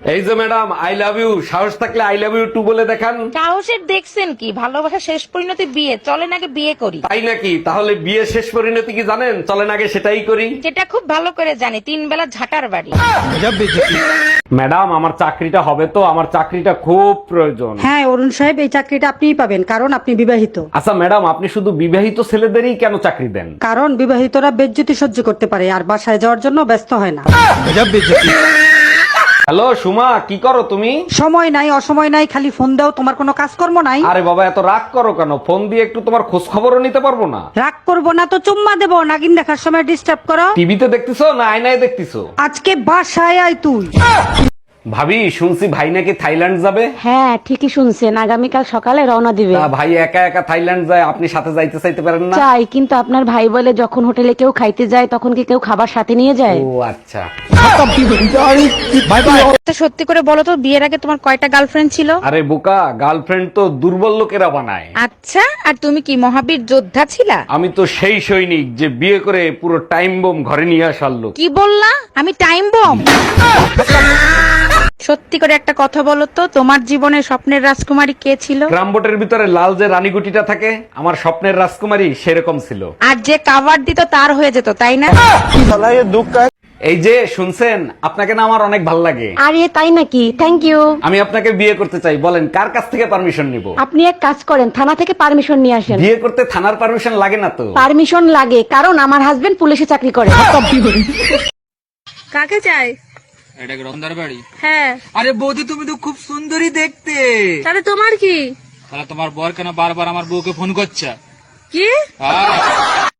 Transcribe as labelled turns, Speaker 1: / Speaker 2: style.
Speaker 1: এই যে madam, I love you, সাহস থাকলে আই লাভ ইউ টু বলে দেখান।
Speaker 2: সাহসের দেখছেন কি? ভালোবাসা শেষ পরিণতি বিয়ে, চলেন আগে বিয়ে করি।
Speaker 1: তাই নাকি? তাহলে বিয়ে শেষ পরিণতি কি জানেন? চলেন আগে সেটাই করি।
Speaker 2: যেটা খুব ভালো করে জানি, 3 বেলা ঝাঁটার বাড়ি।
Speaker 1: ম্যাডাম, আমার চাকরিটা হবে তো? আমার চাকরিটা খুব প্রয়োজন।
Speaker 3: হ্যাঁ অরুণ সাহেব, এই চাকরিটা আপনিই পাবেন, কারণ আপনি বিবাহিত।
Speaker 1: আচ্ছা ম্যাডাম, আপনি শুধু বিবাহিত ছেলেদেরই কেন চাকরি দেন?
Speaker 3: কারণ বিবাহিতরা বেজ্জতি সহ্য করতে পারে আর বাসায় যাওয়ার জন্য ব্যস্ত হয় না।
Speaker 1: হ্যালো সুমা, কি করো তুমি?
Speaker 3: সময় নাই, অসময় নাই, খালি ফোন দাও, তোমার কোনো কাজকর্ম নাই।
Speaker 1: আরে বাবা, এত রাগ করো কেন? ফোন দিয়ে একটু তোমার খোঁজ খবরও নিতে পারবো না?
Speaker 3: রাগ করবো না তো চুম্মা দেবো, নাগিন দেখার সময় ডিস্টার্ব করো।
Speaker 1: টিভিতে দেখতেছো না আয়নায় দেখতেছো?
Speaker 3: আজকে বাসায় আয় তুই।
Speaker 1: ভাবি, শুনছি ভাই নাকি থাইল্যান্ড যাবে।
Speaker 4: হ্যাঁ ঠিকই শুনছেন, আগামীকাল সকালে রওনা দিবে।
Speaker 1: তা ভাই একা একা থাইল্যান্ড যায়, আপনি সাথে যাইতে চাইতে পারেন না?
Speaker 4: চাই, কিন্তু আপনার ভাই বলে যখন হোটেলে কেউ খাইতে যায় তখন কি কেউ খাবার সাথে নিয়ে যায়?
Speaker 1: ও আচ্ছা।
Speaker 2: তা সত্যি করে বলো তো, বিয়ের আগে তোমার কয়টা গার্লফ্রেন্ড ছিল?
Speaker 1: আরে বোকা, গার্লফ্রেন্ড তো দুর্বল লোকেরা বানায়।
Speaker 2: আচ্ছা, আর তুমি কি মহাবীর যোদ্ধা ছিলা?
Speaker 1: আমি তো সেই সৈনিক যে বিয়ে করে পুরো টাইম বোম ঘরে নিয়ে আসার লোক।
Speaker 2: কি বললা? আমি টাইম বম? সত্যি করে একটা কথা বলো তো, তোমার জীবনে স্বপ্নের রাজকুমারী কে ছিল?
Speaker 1: গ্রামবোটের ভিতরে লাল যে রানীগুটিটা থাকে, আমার স্বপ্নের রাজকুমারী সেরকম ছিল।
Speaker 2: আর যে কাভার দিত তার হয়ে যেত, তাই না?
Speaker 1: এই যে শুনছেন, আপনাকে না আমার অনেক ভাল লাগে।
Speaker 4: আরে তাই নাকি? Thank you.
Speaker 1: আমি আপনাকে বিয়ে করতে চাই। বলেন কার কাছ থেকে পারমিশন নিব?
Speaker 4: আপনি এক কাজ করেন, থানা থেকে পারমিশন নিয়ে আসেন।
Speaker 1: বিয়ে করতে থানার পারমিশন লাগে না তো?
Speaker 4: পারমিশন লাগে, কারণ আমার হাজবেন্ড পুলিশে চাকরি করে।
Speaker 2: কাকে চাই?
Speaker 5: এটা কি রতনদার বাড়ি?
Speaker 2: হ্যাঁ।
Speaker 5: আরে বৌদি, তুমি তো খুব সুন্দরী দেখতে।
Speaker 2: তাহলে তোমার কি?
Speaker 5: তাহলে তোমার বর কেন বারবার আমার বউকে ফোন করছে?
Speaker 2: কি?
Speaker 5: হ্যাঁ।